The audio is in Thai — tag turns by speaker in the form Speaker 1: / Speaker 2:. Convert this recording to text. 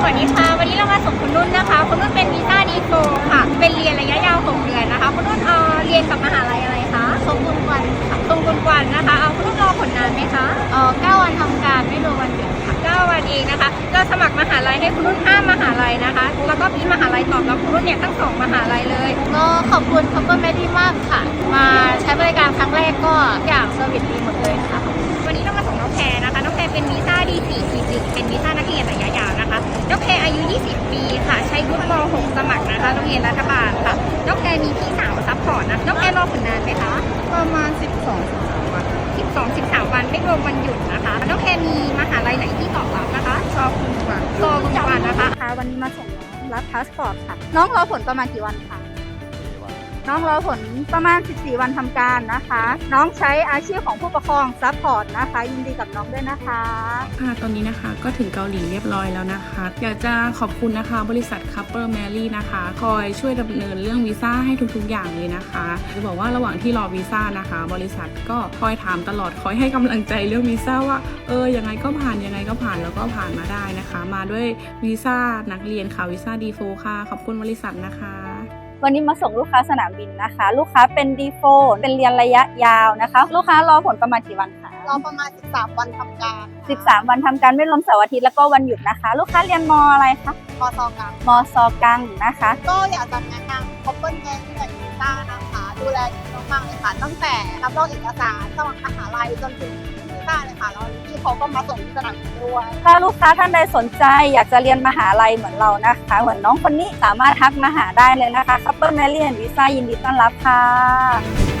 Speaker 1: วัสดีค่ะวันนี้เรามาส่งคุณนุ่นนะคะคุณนุ่นเป็นวีซ่าดีโฟค่ะเป็นเรียนระยะยาว6 เดือนนะคะคุณนุ่นเรียนกับมหาลัยอะไรคะ
Speaker 2: ทรงคุณวันค่ะ
Speaker 1: ตรงกุนกวันนะคะคุณนุ่นรอผลนานไหมคะ
Speaker 2: 9 วันทำการไม่รวมวันหยุดค่ะ
Speaker 1: 9 วันเองนะคะเราสมัครมหาลัยให้คุณนุ่น5 มหาลัยนะคะแล้วก็มีมหาลัยตอบรับคุณนุ่นเนี่ยทั้ง2 มหาลัยเลย
Speaker 2: ก็ขอบคุณคัพเปอร์แมดดี้มากค่ะมาใช้บริการครั้งแรกก็อย่างเซอร์วิสดีหมดเลยค่ะ
Speaker 1: วันนี้เรามาส่งน้องแพรนะคะน้องแพรเป็นวีซ่า D4T1 เป็นวีซ่านักเรียนระยะยาวนะคะน้องแพรอายุ20 ปีค่ะใช้วุฒิม.6 สมัครนะคะโรงเรียนรัฐบาลค่ะน้องแพรมีพี่สาวซัพพอร์ตนะน้องแพรรอผลนานไหมคะ
Speaker 2: ประมาณ12-13 วัน
Speaker 1: 13 วันไม่รวมวันหยุดนะคะน้องแพรมีมหาลัยไหนที่ตอบรับนะคะ
Speaker 2: ชอบคุณกว่า
Speaker 1: คุณกวันนะคะ
Speaker 2: วันนี้มาส่งน้องรับพาสปอร์ตค่ะน้องรอผลประมาณกี่วันคะน้องรอผลประมาณ14 วันทำการนะคะน้องใช้อาชีพของผู้ปกครองซัพพอร์ตนะคะยินดีกับน้องด้วยนะคะ
Speaker 3: ตอนนี้นะคะก็ถึงเกาหลีเรียบร้อยแล้วนะคะอยากจะขอบคุณนะคะบริษัท Couple Mary นะคะคอยช่วยดำเนินเรื่องวีซ่าให้ทุกๆอย่างเลยนะคะจะบอกว่าระหว่างที่รอวีซ่านะคะบริษัทก็คอยถามตลอดคอยให้กำลังใจเรื่องวีซ่าว่ายังไงก็ผ่านแล้วก็ผ่านมาได้นะคะมาด้วยวีซ่านักเรียนค่ะวีซ่าดีโฟค่ะขอบคุณบริษัทนะคะ
Speaker 2: วันนี้มาส่งลูกค้าสนามบินนะคะลูกค้าเป็น D4 เป็นเรียนระยะยาวนะคะลูกค้ารอผลประมาณกี่วันคะ
Speaker 4: รอประมาณ13 วันทำการ
Speaker 2: 13 วันทำการไม่รวมเสาร์อาทิตย์แล้วก็วันหยุดนะคะลูกค้าเรียนมอะไรคะ
Speaker 4: มซกลาง
Speaker 2: มซกลางนะคะ
Speaker 4: ก็อยากจะแนะนำคอปเปิลแมรี่และวีซ่านะคะดูแลดีมากๆเลยค่ะตั้งแต่รับรองเอกสารสมัครมหาลัยจนถึงวีซ่าเลยค่ะแล้วที่เขาก็มาส่งที่สนามบินด้วย
Speaker 2: ถ้าลูกค้าท่านใดสนใจอยากจะเรียนมหาลัยเหมือนเรานะคะเหมือนน้องคนนี้สามารถทักมาหาได้เลยนะคะคัพเปิลแมรี่และวีซ่ายินดีต้อนรับค่ะ